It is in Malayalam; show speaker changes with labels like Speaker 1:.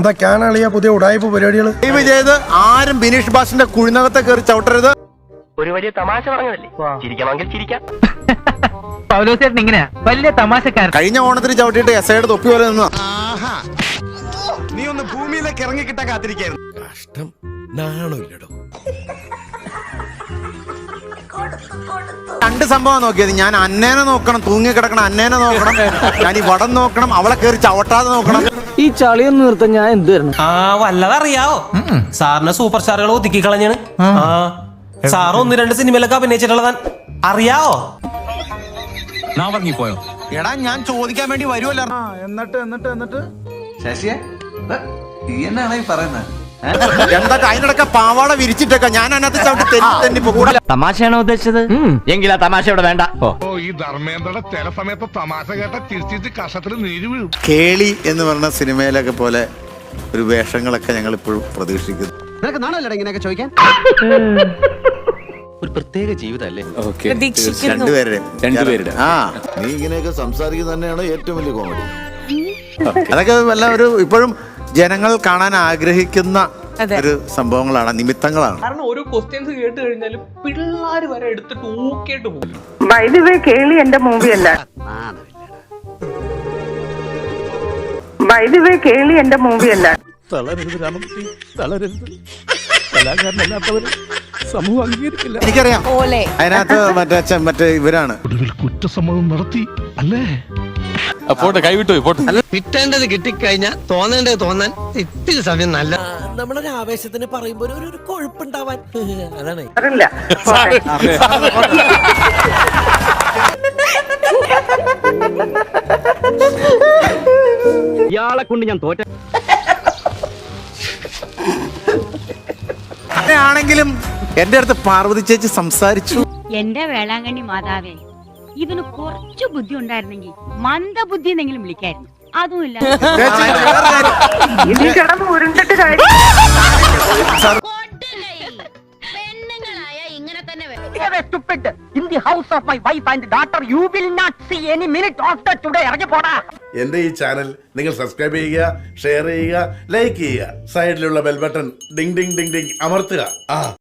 Speaker 1: എന്തൊക്കെയാണ് അളിയ പുതിയ ഉടായ്പ പരിപാടികൾ?
Speaker 2: ചെയ്ത് ആരും ബിനീഷ് ബാസിന്റെ കുഴിനകത്തെ കയറി ചവിട്ടരുത്.
Speaker 3: ഒരു വലിയ തമാശ പറഞ്ഞതല്ലേ, ചിരിക്കണമെങ്കിൽ ചിരിക്കാം.
Speaker 4: പൗലോസേട്ടൻ ഇങ്ങനെയാ വലിയ തമാശക്കാരൻ.
Speaker 2: കഴിഞ്ഞ ഓണത്തിന് ചവിട്ടിയിട്ട് എസയുടെ തൊപ്പി പോലെ നിന്ന്
Speaker 5: നീ ഒന്ന് ഭൂമിയിലേക്ക് ഇറങ്ങിക്കിട്ടാ കാത്തിരിക്കായിരുന്നു.
Speaker 1: കഷ്ടം, നാണമില്ലടോ.
Speaker 2: രണ്ട് സംഭവം നോക്കിയത്. ഞാൻ അന്നേനെ നോക്കണം, തൂങ്ങി കിടക്കണം അന്നേനെ നോക്കണം, ഞാൻ ഈ വടം നോക്കണം, അവളെ കയറി ചവിട്ടാതെ നോക്കണം.
Speaker 6: ഈ ചളിയൊന്നും നിർത്താൻ ഞാൻ എന്ത് തരണം?
Speaker 7: വല്ലതറിയാവോ? സാറിന് സൂപ്പർ സ്റ്റാറുകൾ ഒതുക്കി കളഞ്ഞാണ്. സാറ് 1-2 സിനിമയിലൊക്കെ അഭിനയിച്ചിട്ടുള്ളതാൻ അറിയാവോ?
Speaker 5: പോയോ?
Speaker 2: എടാ ഞാൻ ചോദിക്കാൻ വേണ്ടി വരുമല്ലോ.
Speaker 5: എന്നിട്ട്
Speaker 8: ശശിയെ എന്നാണ് ഈ പറയുന്നത്?
Speaker 2: എന്തൊക്കെ അതിനിടയ്ക്ക് പാവാട വിരിച്ചിട്ടൊക്കെ ഞാൻ അതിനകത്ത് ചവിട്ടി തെന്നി കൂടെ.
Speaker 4: തമാശയാണോ ഉദ്ദേശിച്ചത്? എങ്കിൽ ആ തമാശ ഇവിടെ വേണ്ട.
Speaker 9: ഈ ധർമ്മേന്ദ്രയുടെ ചില സമയത്ത് തമാശ കേട്ട ചിരിച്ചിട്ട് കഷത്തിൽ നീര് വീഴും.
Speaker 2: കേളി എന്ന് പറഞ്ഞ സിനിമയിലൊക്കെ പോലെ ഒരു വേഷങ്ങളൊക്കെ ഞങ്ങൾ ഇപ്പോഴും പ്രതീക്ഷിക്കുന്നു.
Speaker 5: നിനക്ക് നാണല്ലേ ഇങ്ങനെയൊക്കെ ചോദിക്കാൻ?
Speaker 8: ഒരു പ്രത്യേക ജീവിതമല്ലേ?
Speaker 2: രണ്ടുപേരുടെ
Speaker 1: നീ ഇങ്ങനെയൊക്കെ സംസാരിക്കുന്നത് തന്നെയാണ് ഏറ്റവും വലിയ കോമഡി.
Speaker 2: അതൊക്കെ വല്ല ഒരു ഇപ്പോഴും ജനങ്ങൾ കാണാൻ ആഗ്രഹിക്കുന്ന ഒരു സംഭവങ്ങളാണ്, നിമിത്തങ്ങളാണ്.
Speaker 7: കാരണം ഓരോ ക്വസ്റ്റ്യൻസ് കേട്ട് കഴിഞ്ഞാലും പിള്ളേര് വരെ എടുത്തിട്ട് ഊക്കേട്ട് പോകും.
Speaker 10: ബൈ ദി വേ കേളി എന്റെ മൂവി അല്ല. ബൈ ദി വേ കേളി എന്റെ മൂവി അല്ല.
Speaker 1: തളരരുത് രാമകൃഷ്ണ, തളരരുത്. കലാകാരനല്ലാത്തവര് സമൂഹം അംഗീകരിക്കില്ല.
Speaker 2: എനിക്കറിയാം അതിനകത്ത് മറ്റേ ഇവരാണ്
Speaker 9: ഒടുവിൽ കുറ്റസമ്മതം നടത്തി അല്ലേ?
Speaker 8: പോട്ടെ, കൈവിട്ടു പോട്ടെ.
Speaker 6: കിട്ടേണ്ടത് കിട്ടിക്കഴിഞ്ഞാൽ തോന്നേണ്ടത് തോന്നാൻ ഇത്തിരി സമയം നല്ല.
Speaker 4: നമ്മളൊരു ആവേശത്തിന് പറയുമ്പോ ഒരു കൊഴുപ്പുണ്ടാവാൻ അതാണ്.
Speaker 10: അറിയില്ല.
Speaker 4: ഇയാളെ കൊണ്ട് ഞാൻ തോറ്റ.
Speaker 2: ആണെങ്കിലും എന്റെ അടുത്ത് പാർവതി ചേച്ചി സംസാരിച്ചു.
Speaker 11: എന്റെ വേളാങ്കണ്ണി മാതാവേ, ഇതിന് കുറച്ചു ബുദ്ധി ഉണ്ടായിരുന്നെങ്കിൽ മന്ദബുദ്ധി എന്നെങ്കിലും വിളിക്കായിരുന്നു. അതുമില്ല.
Speaker 10: ഇനി കിടന്ന് ഉരുണ്ടിട്ട് കാര്യം.
Speaker 11: പെണ്ണുങ്ങളായ ഇങ്ങനെ തന്നെ
Speaker 4: In the house of my wife and daughter, you will not see any minute after today. ഇറങ്ങി പോടാ.
Speaker 9: എന്റെ ഈ ചാനൽ നിങ്ങൾ സബ്സ്ക്രൈബ് ചെയ്യുക, ഷെയർ ചെയ്യുക, ലൈക്ക് ചെയ്യുക, സൈഡിലുള്ള bell button ding ding ding ding അമർത്തുക.